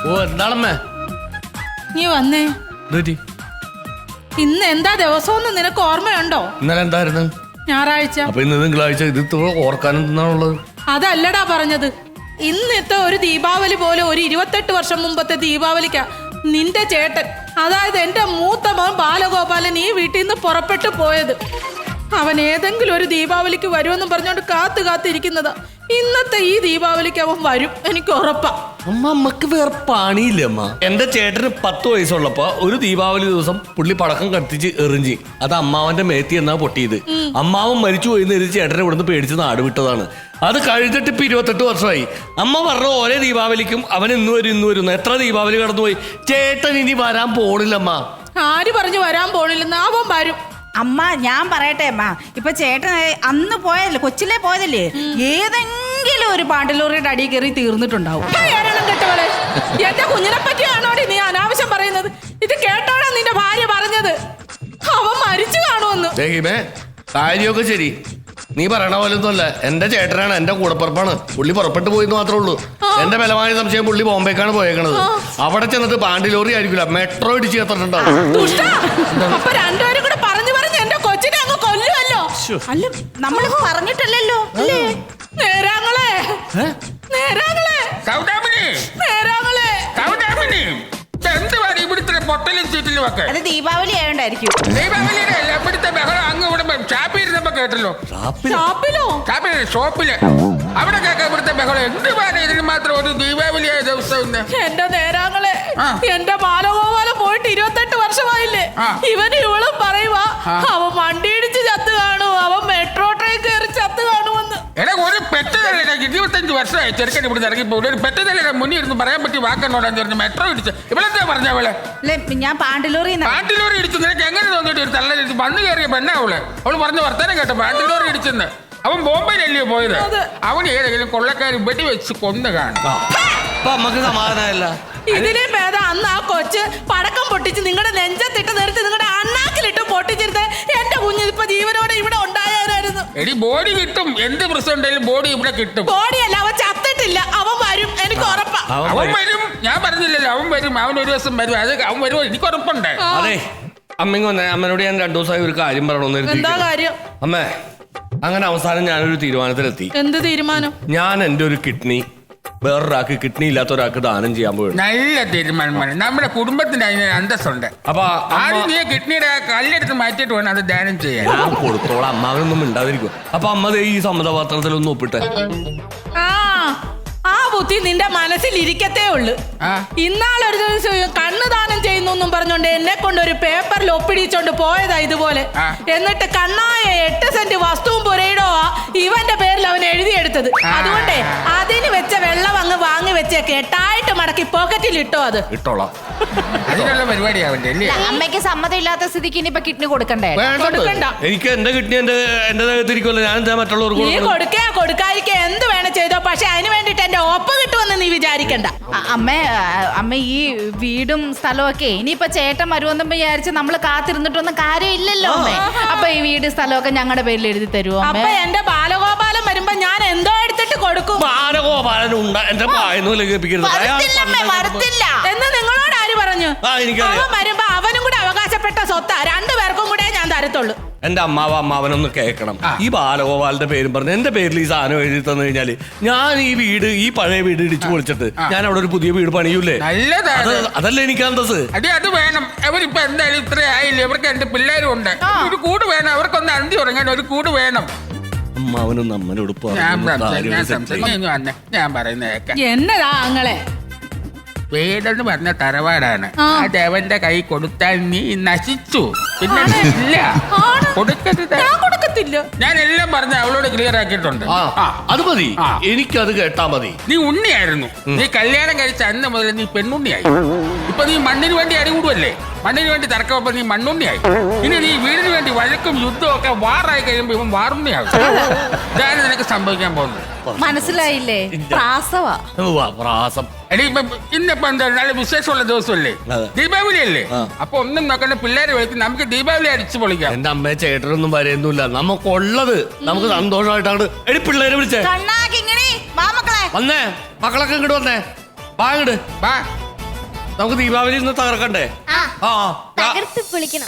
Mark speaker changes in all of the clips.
Speaker 1: ഓ എന്താണമ്മേ?
Speaker 2: നീ വന്നേ. ഇന്ന് എന്താ ദിവസം നിനക്ക് ഓർമ്മയുണ്ടോ?
Speaker 1: ഇന്നലെ എന്തായിരുന്നു?
Speaker 2: ഞായറാഴ്ച.
Speaker 1: അപ്പൊ ഇന്ന് തിങ്കളാഴ്ച. ഇത് ഓർക്കാൻ എന്താണുള്ളത്?
Speaker 2: അതല്ലടാ പറഞ്ഞത്. ഇന്നത്തെ ഒരു ദീപാവലി പോലെ ഒരു 28 വർഷം മുമ്പത്തെ ദീപാവലിക്കാ നിന്റെ ചേട്ടൻ, അതായത് എന്റെ മൂത്ത മകൻ ബാലഗോപാലൻ ഈ വീട്ടിൽ നിന്ന് പുറപ്പെട്ടു പോയത്. അവൻ ഏതെങ്കിലും ഒരു ദീപാവലിക്ക് വരുമെന്നും പറഞ്ഞോണ്ട് കാത്തിരിക്കുന്നതാ. ഇന്നത്തെ ഈ ദീപാവലിക്ക് അവൻ വരും, എനിക്ക് ഉറപ്പാ.
Speaker 1: അമ്മക്ക് വേറെ പണിയില്ല അമ്മ. എന്റെ ചേട്ടന് 10 വയസ്സുള്ളപ്പോ ഒരു ദീപാവലി ദിവസം പുള്ളി പടക്കം കത്തിച്ച് എറിഞ്ഞ് അത് അമ്മാവന്റെ മേത്തി എന്നാ പൊട്ടിയത്. അമ്മാവൻ മരിച്ചു പോയി ചേട്ടനെ ഇവിടുന്ന് പേടിച്ച് നാട് വിട്ടതാണ്. അത് കഴിഞ്ഞിട്ട് ഇപ്പൊ 28 വർഷമായി. അമ്മ പറഞ്ഞ ഓരോ ദീപാവലിക്കും അവൻ ഇന്ന് വരും. എത്ര ദീപാവലി കടന്നുപോയി. ചേട്ടൻ ഇനി വരാൻ പോണില്ലമ്മ.
Speaker 2: ആര് പറഞ്ഞു വരാൻ പോണില്ലെന്ന്? അവൻ വരും.
Speaker 3: അമ്മ ഞാൻ പറയട്ടെ അമ്മ, ഇപ്പൊ ചേട്ടൻ അന്ന് പോയതല്ലേ, കൊച്ചിലെ പോയതല്ലേ, ഏതെങ്കിലും ഒരു പാണ്ടിലോറിയുടെ അടിയിൽ കയറി തീർന്നിട്ടുണ്ടാവും.
Speaker 2: എന്റെ കുഞ്ഞിനെ പറ്റിയാണോടി നീ അനാവശ്യം പറയുന്നത്? ഇത് കേട്ടോടാ നിന്റെ ഭാര്യ പറഞ്ഞത്. അവൻ മരിച്ചു കാണുമെന്ന്.
Speaker 1: കാര്യമൊക്കെ ശരി, നീ പറയണ പോലൊന്നുമല്ല. എന്റെ ചേട്ടനാണ്, എന്റെ കൂടപ്പുറപ്പാണ്. പുള്ളി പുറപ്പെട്ടു പോയിന്ന് മാത്രമേ ഉള്ളൂ. എന്റെ ബലമായ സംശയം പുള്ളി ബോംബേക്കാണ് പോയേക്കണത്. അവിടെ ചെന്നിട്ട് പാണ്ടിലോറി ആയിരിക്കില്ല, മെട്രോ ഇടിച്ച് ചേർത്തിട്ടുണ്ടാവും.
Speaker 2: അപ്പൊ രണ്ടുപേരും കൂടെ പറഞ്ഞു എന്റെ കൊച്ചിനെ അങ്ങ് കൊല്ലുമല്ലോ.
Speaker 3: അല്ല നമ്മൾ പറഞ്ഞിട്ടല്ലോ അല്ലേ?
Speaker 2: നേരാങ്ങളെ
Speaker 4: ഇവിടുത്തെ പൊട്ടലും ചീറ്റിലും ഒക്കെ
Speaker 3: അത് ദീപാവലി ആയോണ്ടായിരിക്കും.
Speaker 4: ദീപാവലിയുടെ അല്ല, ഇവിടുത്തെ ബഹളം അങ്ങ് ഇവിടെ ഷാപ്പിരുന്നപ്പോ കേട്ടല്ലോ. ഷോപ്പില് അവിടെ കേൾക്കാം ഇവിടുത്തെ ബഹളം. എന്തുവാണ് ഇതിന് മാത്രം ഒരു ദീപാവലിയായ ദിവസം?
Speaker 2: എന്റെ നേരാങ്ങളെ, എന്റെ ബാലഗോപാലം പോയിട്ട് 28 വർഷമായില്ലേ. ഇവന് ഇവളും പറയുവാ അവൻ വണ്ടി ഇടിച്ച് ചത്ത് കാണും, അവൻ മെട്രോ ട്രെയിൻ കയറി ചത്ത് കാണുമെന്ന്.
Speaker 4: എടാ ഒരു പെറ്റതല്ലേ, 25 വർഷമായി ചെറുക്കൻ ഇവിടെ ഇറങ്ങിപ്പോ. ഒരു പെറ്റതല്ലേ മുന്നിൽ ഇരുന്ന് പറയാൻ പറ്റി വാക്കന്നോടാന്ന് പറഞ്ഞു മെട്രോ ഇടിച്ച്. ഇവളെന്താ പറഞ്ഞ അവളെ?
Speaker 3: ഞാൻ പാണ്ടിലോറി
Speaker 4: ഇടിച്ചു. നിനക്ക് എങ്ങനെ തോന്നിട്ട് ഒരു തള്ള വന്ന് കയറിയ പെണ്ണ അവള് പറഞ്ഞ വർത്തമാനം കേട്ടോ. പാണ്ടിലോറി ഇടിച്ചെന്ന്. അവൻ ബോംബെയിലല്ലയോ പോയത്? അവൻ ഏതെങ്കിലും കൊള്ളക്കാർ വെടിവെച്ച് കൊന്നു കാണും.
Speaker 1: സമാധാനമല്ല.
Speaker 2: ഇതിലെ ഭേദം അന്ന് ആ കൊച്ച് പടക്കം പൊട്ടിച്ച് നിങ്ങളുടെ നെഞ്ചത്തിട്ട് നിർത്തി നിങ്ങളുടെ അണ്ണാക്കിലിട്ട് പൊട്ടിച്ചിരുത്ത് എന്റെ കുഞ്ഞ് ഇപ്പൊ ജീവനോടെ ഇവിടെ ഉണ്ടായിരുന്നു.
Speaker 4: എടി ബോഡി കിട്ടും, എന്ത് പ്രശ്നം ഉണ്ടെങ്കിലും ബോഡി ഇവിടെ കിട്ടും.
Speaker 2: ബോഡിയല്ല, അവൻ ചത്തിട്ടില്ല, അവൻ വരും, എനിക്ക് ഉറപ്പാ.
Speaker 4: അവൻ വരും, ഞാൻ പറഞ്ഞില്ലല്ലോ അവൻ വരും. അവൻ ഒരു ദിവസം വരും, അത് അവൻ വരുമോ എനിക്ക് ഉറപ്പുണ്ട്.
Speaker 1: അതെ അമ്മ വന്നേ. അമ്മനോട് ഞാൻ 2 ദിവസമായി ഒരു കാര്യം പറയണമെന്ന്.
Speaker 2: എന്താ കാര്യം?
Speaker 1: അമ്മേ, അങ്ങനെ അവസാനം ഞാനൊരു തീരുമാനത്തിലെത്തി.
Speaker 2: എന്ത് തീരുമാനം?
Speaker 1: ഞാൻ എന്റെ ഒരു കിഡ്നി വേറൊരാൾക്ക് കിഡ്നി ഇല്ലാത്ത ഒരാൾക്ക് ദാനം ചെയ്യാൻ പോയി.
Speaker 4: നല്ല തീരുമാനമാണ്. നമ്മുടെ കുടുംബത്തിന് അതിന് അന്തസ്സുണ്ട്.
Speaker 1: അപ്പൊ
Speaker 4: ആദ്യം നീ കിഡ്നിയുടെ കല്ലെടുത്ത് മാറ്റിയിട്ട് വേണം അത് ദാനം ചെയ്യാൻ.
Speaker 1: ഞാൻ കൊടുത്തോളാം, അമ്മാവനൊന്നും ഉണ്ടാതിരിക്കും. അപ്പൊ അമ്മ ഈ സമ്മതപത്രത്തിലൊന്നും ഒപ്പിട്ടെ.
Speaker 2: ആ ബുദ്ധി നിന്റെ മനസ്സിൽ ഇരിക്കത്തേ ഉള്ളു. ഇന്നാളൊരു ദിവസം കണ്ണ് ദാനം ചെയ്യുന്നു പറഞ്ഞോണ്ട് എന്നെ കൊണ്ട് ഒരു പേപ്പറിൽ ഒപ്പിടിച്ചോണ്ട് പോയതാ ഇതുപോലെ. എന്നിട്ട് കണ്ണായ 8 സെന്റ് വസ്തുവും പുരയിടോ ഇവന്റെ പേരിൽ അവൻ എഴുതിയെടുത്തത്. അതുകൊണ്ടേ അതിന് വെച്ച വെള്ളം അങ്ങ് വാങ്ങി വെച്ചേക്ക്, 8 മടക്കി പോക്കറ്റിൽ ഇട്ടോ. അത്
Speaker 1: ഇട്ടോളാം.
Speaker 4: അതിനുള്ള പരിപാടിയാവണ്ടേ അല്ലേ?
Speaker 3: അമ്മയ്ക്ക് സമ്മതം ഇല്ലാത്ത സ്ഥിതിക്ക് ഇനിയിപ്പൊ കിഡ്നി കൊടുക്കണ്ടേ?
Speaker 2: കൊടുക്കണ്ട.
Speaker 1: എനിക്ക് എന്റെ കിഡ്നി എന്റെ ദേഹത്തിരിക്കുമല്ലോ. ഞാൻ എന്താ മറ്റുള്ളവർക്ക്
Speaker 2: നീ കൊടുക്കാതിരിക്ക എന്ത് വേണം ചെയ്തോ, പക്ഷെ അതിന് വേണ്ടിട്ട് എന്റെ ഒപ്പ് കിട്ടുമെന്ന് നീ വിചാരിക്കണ്ട.
Speaker 3: അമ്മ ഈ വീടും സ്ഥലവും ഒക്കെ ഇനിയിപ്പൊ ചേട്ടൻ വരുമെന്നും വിചാരിച്ച് നമ്മള് കാത്തിരുന്നിട്ടൊന്നും കാര്യമില്ലല്ലോ അമ്മേ. അപ്പൊ ഈ വീട് സ്ഥലമൊക്കെ ഞങ്ങളുടെ പേരിൽ എഴുതി തരുമോ?
Speaker 2: അപ്പൊ എന്റെ ബാലഗോപാലൻ വരുമ്പോ ഞാൻ എന്തോ എടുത്തിട്ട് കൊടുക്കും.
Speaker 1: ബാലഗോപാലൻ എന്റെ
Speaker 3: വരത്തില്ല
Speaker 2: എന്ന് നിങ്ങളോട് ആര് പറഞ്ഞു? അവൻ വരുമ്പോ അവനും കൂടെ അവകാശപ്പെട്ട സ്വത്താ, 2 പേർക്കും കൂടെ ഞാൻ തരത്തുള്ളൂ.
Speaker 1: എന്റെ അമ്മാവനൊന്ന് കേൾക്കണം. ഈ ബാലഗോപാലിന്റെ പേരും പറഞ്ഞ് എന്റെ പേരിൽ ഈ സാധനം എഴുതി തന്നു കഴിഞ്ഞാല് ഞാൻ ഈ പഴയ വീട് ഇടിച്ചു പൊളിച്ചിട്ട് ഞാൻ അവിടെ ഒരു പുതിയ വീട് പണിയൂലേ? അതല്ലേ എനിക്ക് അന്തസ്.
Speaker 4: അത് വേണം. അവരിപ്പോ എന്തായാലും ഇത്ര ആയില്ലേ, അവർക്ക് 2 പിള്ളേരും ഉണ്ട്. ഒരു കൂട് വേണം, അവർക്കൊന്ന് അന്തി ഉറങ്ങാൻ ഒരു കൂട് വേണം.
Speaker 1: അമ്മാവനും നമ്മളോട്
Speaker 4: ഞാൻ പറയുന്ന
Speaker 2: എന്നതാ അങ്ങളെ?
Speaker 4: വീടെന്ന് പറഞ്ഞ തറവാടാണ്. അത് അവന്റെ കൈ കൊടുത്താൽ നീ നശിച്ചു. പിന്നെ ഇല്ല, കൊടുക്കത്തില്ല. ഞാൻ എല്ലാം പറഞ്ഞ അവളോട് ക്ലിയർ ആക്കിയിട്ടുണ്ട്.
Speaker 1: അത് മതി, എനിക്കത് കേട്ടാ മതി.
Speaker 4: നീ ഉണ്ണിയായിരുന്നു. നീ കല്യാണം കഴിച്ച അന്ന് മുതൽ നീ പെണ്ണുണ്ണിയായി. ഇപ്പൊ നീ മണ്ണിന് വേണ്ടി അടികൂടുവല്ലേ, മണ്ണിന് വേണ്ടി തർക്കമപ്പോ നീ മണ്ണുണ്ണിയായി. ഇനി നീ വീടിന് വേണ്ടി വഴക്കും യുദ്ധവും ഒക്കെ വാറായി കഴിയുമ്പോ ഇവൻ വാറുണ്ണിയാവും. ഇതാണ് നിനക്ക് സംഭവിക്കാൻ പോകുന്നത്.
Speaker 3: മനസ്സിലായില്ലേ? പ്രാസവാ.
Speaker 4: എടീ ഇന്നിപ്പോ എന്താ നല്ല വിശേഷമുള്ള ദിവസമല്ലേ, ദീപാവലി അല്ലേ? അപ്പൊ ഒന്നും നോക്കണ്ട, പിള്ളേരെ വിളിച്ച് നമുക്ക് ദീപാവലി അടിച്ചു പൊളിക്കാം.
Speaker 1: എന്റെ അമ്മയെ ചേട്ടനൊന്നും വരുന്നില്ല, നമുക്കുള്ളത് നമുക്ക് സന്തോഷമായിട്ടാണ്. എടി പിള്ളേരെ വിളിച്ചേ വന്നേ, മക്കളൊക്കെ ഇങ്ങോട്ട് വന്നേ. വാ ഇങ്ങോട്ട്. നമുക്ക് ദീപാവലി ഇന്ന് തകർക്കണ്ടേ?
Speaker 5: ആ
Speaker 1: ആ
Speaker 5: തകർത്ത് പൊളിക്കണം.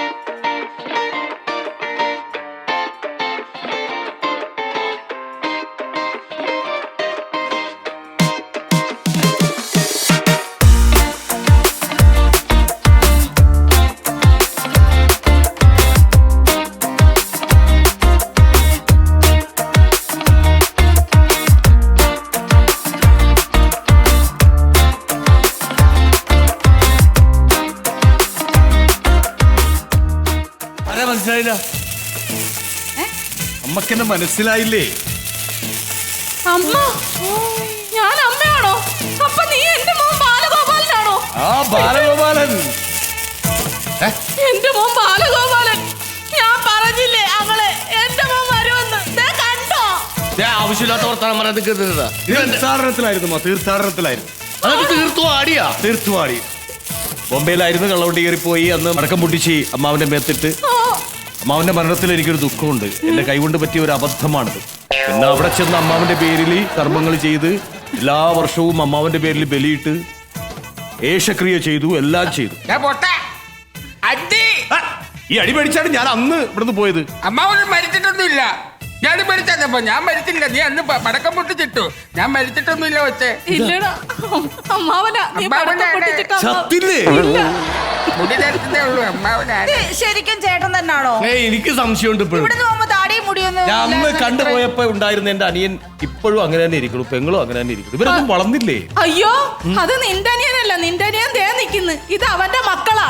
Speaker 1: ആരാ മനസ്സിലായില്ല?
Speaker 6: അമ്മക്കെന്നെ മനസ്സിലായില്ലേ?
Speaker 2: അമ്മ, ഞാൻ അമ്മയാണോ? അപ്പൊ നീ എന്റെ മോൻ ബാലഗോപാലനാണോ?
Speaker 6: ആ ബാലഗോപാലൻ.
Speaker 2: എന്റെ മോൻ ബാലഗോപാലൻ. ഞാൻ പറഞ്ഞില്ലേ അവളെ എന്റെ മോൻ വരുമെന്ന്. ദേ കണ്ടോ?
Speaker 1: ആവശ്യമില്ലാത്ത വർത്താനം പറയാൻ നിൽക്കുന്നതാ.
Speaker 6: തീർത്ഥാടനത്തിലായിരുന്നു, തീർത്ഥാടനത്തിലായിരുന്നു.
Speaker 1: അതൊക്കെ തീർത്തു ആടിയാ.
Speaker 6: തീർത്തുവാടി ബോംബെയിലായിരുന്നു. കള്ളവണ്ടി കയറിപ്പോയി. അന്ന് മടക്കം പൊട്ടിച്ച് അമ്മാവന്റെ മേത്തിട്ട്. അമ്മാവന്റെ മരണത്തിൽ എനിക്കൊരു ദുഃഖമുണ്ട്. എന്റെ കൈകൊണ്ട് പറ്റിയ ഒരു അബദ്ധമാണിത്. പിന്നെ അവിടെ ചെന്ന് അമ്മാവന്റെ പേരിൽ കർമ്മങ്ങൾ ചെയ്ത് എല്ലാ വർഷവും അമ്മാവന്റെ പേരിൽ ബലിയിട്ട് ഏഷക്രിയ ചെയ്തു, എല്ലാം ചെയ്തു.
Speaker 4: ഞാൻ പോട്ടെ അടി.
Speaker 6: ആ, ഈ അടി പേടിച്ചാണ് ഞാൻ അന്ന് ഇവിടുന്ന് പോയത്.
Speaker 4: അമ്മാവനും മരിച്ചിട്ടൊന്നുമില്ല. ഞാൻ മരിച്ചപ്പോ ഞാൻ മരിച്ചില്ല. നീ അന്ന് പടക്കം പൊട്ടിച്ചിട്ടു. ഞാൻ മരിച്ചിട്ടൊന്നുമില്ല. വെച്ചേ
Speaker 2: ഇല്ലടാ അമ്മാവനാ. നീ
Speaker 4: അമ്മാവനാ
Speaker 2: പടക്കം പൊട്ടിച്ചിട്ടാ അമ്മാവൻ.
Speaker 6: ചത്തില്ലേ?
Speaker 4: മുടി തരത്തേ ഉള്ളൂ അമ്മാവനാണ്.
Speaker 3: ശരിക്കും ചേട്ടൻ തന്നെയാണോ?
Speaker 1: എനിക്ക് സംശയമുണ്ട് ഇപ്പോഴും.
Speaker 3: ഇവിടുന്ന് പോകുമ്പോ താടിയും മുടിയൊന്നും
Speaker 6: ഞാൻ അന്ന്
Speaker 3: ഇല്ലാതെ
Speaker 6: കണ്ടുപോയപ്പോ ഉണ്ടായിരുന്ന എന്റെ അനിയൻ ഇപ്പോഴും അങ്ങനെ തന്നെ ഇരിക്കുന്നു. പെങ്ങളും അങ്ങനെ തന്നെ ഇരിക്കുന്നു. ഇവരൊന്നും വളർന്നില്ലേ?
Speaker 2: അയ്യോ അത് നിന്റെ അനിയനല്ല. നിന്റെ അനിയൻ ദേ നിക്കുന്നു. ഇത് അവന്റെ മക്കളാ.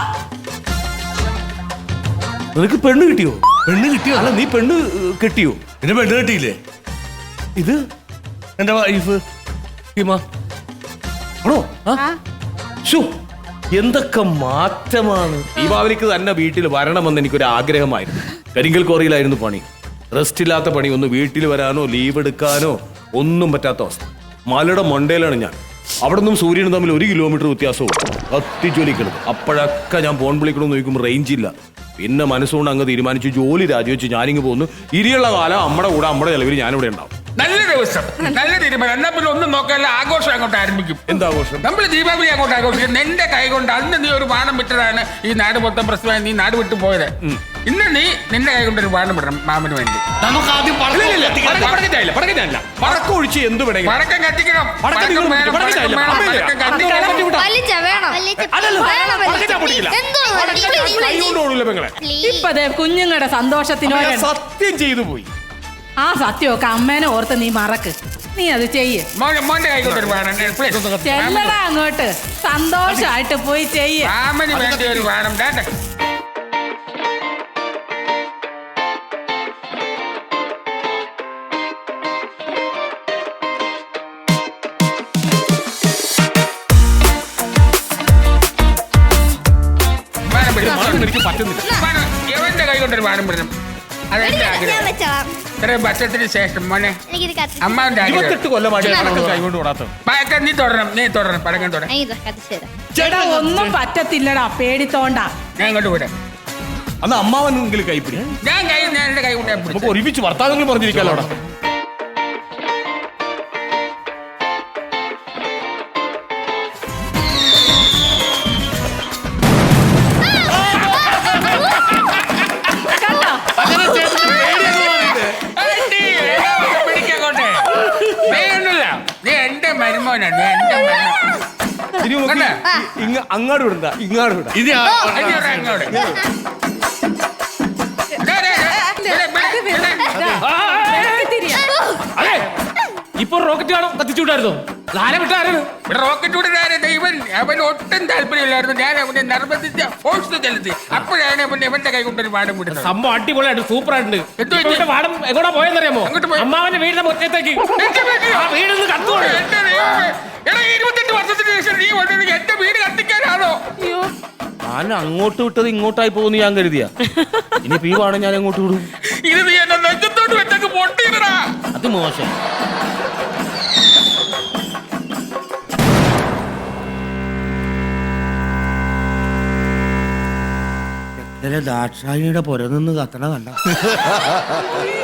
Speaker 6: നിനക്ക് പെണ്ണ് കിട്ടിയോ? പെണ്ണ് കിട്ടിയോ? അല്ല, നീ പെണ്ണ് കെട്ടിയോ?
Speaker 1: പിന്നെ പെണ്ണ് കെട്ടിയില്ലേ?
Speaker 6: ഇത്
Speaker 1: എന്റെ വൈഫ് ഹിമ.
Speaker 6: ആണോ?
Speaker 3: ആ?
Speaker 6: ശ്ശോ, എന്തൊക്കെ മാറ്റമാണ്. ദീപാവലിക്ക് തന്നെ വീട്ടിൽ വരണമെന്ന് എനിക്കൊരു ആഗ്രഹമായിരുന്നു. കരിങ്കൽ കോറിയിലായിരുന്നു പണി. റെസ്റ്റ് ഇല്ലാത്ത പണി. ഒന്ന് വീട്ടിൽ വരാനോ ലീവ് എടുക്കാനോ ഒന്നും പറ്റാത്ത അവസ്ഥ. മലയുടെ മണ്ടയിലാണ് ഞാൻ. അവിടെ നിന്നും സൂര്യനും തമ്മിൽ 1 കിലോമീറ്റർ വ്യത്യാസവും. കത്തിജ്വലിക്കണം. അപ്പോഴൊക്കെ ഞാൻ ഫോൺ വിളിക്കണമെന്ന് ചോദിക്കുമ്പോൾ റേഞ്ച് ഇല്ല. പിന്നെ മനസ്സുകൊണ്ട് അങ്ങ് തീരുമാനിച്ചു ജോലി രാജിവെച്ച് ഞാനിങ്ങ് പോകുന്നു. ഇനിയുള്ള കാലം അമ്മയുടെ കൂടെ അമ്മയുടെ ചെലവിൽ ഞാനിവിടെ ഉണ്ടാവും.
Speaker 4: നല്ല ദിവസം, നല്ല തീരുമാനം. എന്നാ പിന്നെ ഒന്നും നോക്കാനുള്ള ആഘോഷം അങ്ങോട്ട് ആരംഭിക്കും.
Speaker 6: എന്താഘോഷം?
Speaker 4: നമ്മൾ ദീപാവലി അങ്ങോട്ട് ആഘോഷിക്കും. നിന്റെ കൈ കൊണ്ട് അന്ന് നീ ഒരു ബാണം വിട്ടതാണ് ഈ നാട് മൊത്തം പ്രശ്നമായി നീ നാട് വിട്ടു പോയത്. ഇന്ന് നീ നിന്റെ കൈ കൊണ്ട് ഒരു ബാണം വിടണം മാമന് വേണ്ടി.
Speaker 1: നമുക്ക് ആദ്യം
Speaker 6: പടക്കം ഒഴിച്ച് എന്ത് വേണമെങ്കിലും.
Speaker 4: പടക്കം കത്തിക്കണം.
Speaker 6: പടക്കം നിങ്ങൾ
Speaker 4: വേണം,
Speaker 6: പടക്കം
Speaker 4: പടക്കം വേണം,
Speaker 6: അമ്മയില്ലേ?
Speaker 4: പടക്കം കത്തിക്കണം.
Speaker 5: വലിച്ച വേണം.
Speaker 6: അല്ലല്ലോ,
Speaker 5: വേണം,
Speaker 6: പടക്കം
Speaker 5: വലിച്ച.
Speaker 6: ഞാൻ പൊട്ടിക്കില്ല.
Speaker 5: എന്തോ
Speaker 6: കൈ കൊണ്ട് ഓടൂല പെങ്ങളെ.
Speaker 2: ഇപ്പൊ ദേ കുഞ്ഞുങ്ങളുടെ സന്തോഷത്തിനോ
Speaker 6: ഞാൻ സത്യം ചെയ്തു പോയി.
Speaker 2: ആ സത്യമൊക്കെ അമ്മേനെ ഓർത്ത് നീ മറക്ക്. നീ അത് ചെയ്യ്.
Speaker 4: മോന്റെ കൈ കൊണ്ട് ഒരു ബാണം
Speaker 2: ചെല്ലടാ അങ്ങോട്ട്. സന്തോഷായിട്ട് പോയി ചെയ്യ്.
Speaker 4: മാമന് വേണ്ടി ഒരു ബാണം.
Speaker 6: എനിക്ക് പറ്റുന്നില്ല.
Speaker 4: എവന്റെ കൈ കൊണ്ടൊരു ബാണം വിടണം. അതെന്റെ
Speaker 5: ഞാൻ
Speaker 4: ആഗ്രഹം.
Speaker 5: വെച്ചോളാം.
Speaker 4: ഇത്രയും വർഷത്തിന് ശേഷം മോനെ
Speaker 5: എനിക്കിത് കത്തി.
Speaker 4: അമ്മാവന്റെ ആഗ്രഹം.
Speaker 6: 28 കൊല്ലമായിട്ട് പടക്കം കൈ കൊണ്ട് ഓടാത്ത.
Speaker 4: പടക്കം നീ തുടരണം. നീ തുടരണം. പടക്കം തുടരണം.
Speaker 5: ഞാൻ ഇത് കത്തിച്ചു തരാം.
Speaker 2: ചേട്ടാ ഒന്നും പറ്റത്തില്ലടാ. പേടിത്തോണ്ട.
Speaker 4: ഞാൻ ഇങ്ങോട്ട് വിടാം.
Speaker 6: അന്ന് അമ്മാവനെങ്കിലും കൈപ്പിടി.
Speaker 4: ഞാൻ എന്റെ കൈ കൊണ്ട് ഞാൻ
Speaker 6: നമുക്ക്
Speaker 4: പിടിച്ചു.
Speaker 6: ഒരുമിച്ച് വർത്താനങ്ങൾ പറഞ്ഞിരിക്കാലോ അവിടെ.
Speaker 4: പിടിക്കോട്ടെ. നീ ഒന്നുമില്ല. നീ എന്റെ മരുമോനാണ്. നീ എന്റെ മരുമോൻ.
Speaker 6: ഇനി നമുക്ക് അങ്ങാട് വിടണ്ട, ഇങ്ങാട് വിടാം.
Speaker 1: ഇത്
Speaker 4: അങ്ങോട്ട് അങ്ങോട്ട്.
Speaker 7: അതെ, ഇപ്പൊ റോക്കറ്റ് കാണും കത്തിച്ചുവിട്ടായിരുന്നോ? ആരെ വിട്ടാരാണ്?
Speaker 4: ഇവിടെ റോക്കറ്റ് വിടുന്ന ഇവൻ അവൻ ഒട്ടും താല്പര്യമില്ലായിരുന്നു. ഞാൻ അവനെ നിർബന്ധിച്ച ഫോഴ്സ് ചെലുത്തി. അപ്പോഴാണ് ഇവന്റെ കൈ കൊണ്ടൊരു പാഠം വിടുന്നത്.
Speaker 7: സംഭവം അടിപൊളിയായിട്ട് സൂപ്പർ ആയിട്ടുണ്ട്.
Speaker 4: എന്ത് പറ്റി?
Speaker 7: ഇവന്റെ പാടം എങ്ങോട്ടാ പോയെന്നറിയാമോ?
Speaker 4: അങ്ങോട്ട് പോയി.
Speaker 7: അമ്മാവന്റെ വീടിന്റെ മുറ്റത്തേക്ക്.
Speaker 4: എന്റെ വീട്ടിലോ?
Speaker 7: ആ വീടിന്ന് കത്തുവാണ്.
Speaker 4: എന്റെ ദൈവമേ. എടാ, 28 വർഷത്തിന് ശേഷം നീ വന്നത് എന്റെ വീട് കത്തിക്കാനാണോ?
Speaker 6: ഞാൻ അങ്ങോട്ട് വിട്ടത് ഇങ്ങോട്ടായി പോകുന്നു ഞാൻ കരുതിയ. ഇനി പീവാണ് ഞാൻ അങ്ങോട്ട് വിടും.
Speaker 4: ഇത് നീ എന്നെ നെഞ്ചത്തോട്ട് വെച്ചൊക്കെ പൊട്ടിയിടടാ.
Speaker 6: അത് മോശം. ദാക്ഷായിയുടെ പുര നിന്ന് കത്തണ കണ്ട.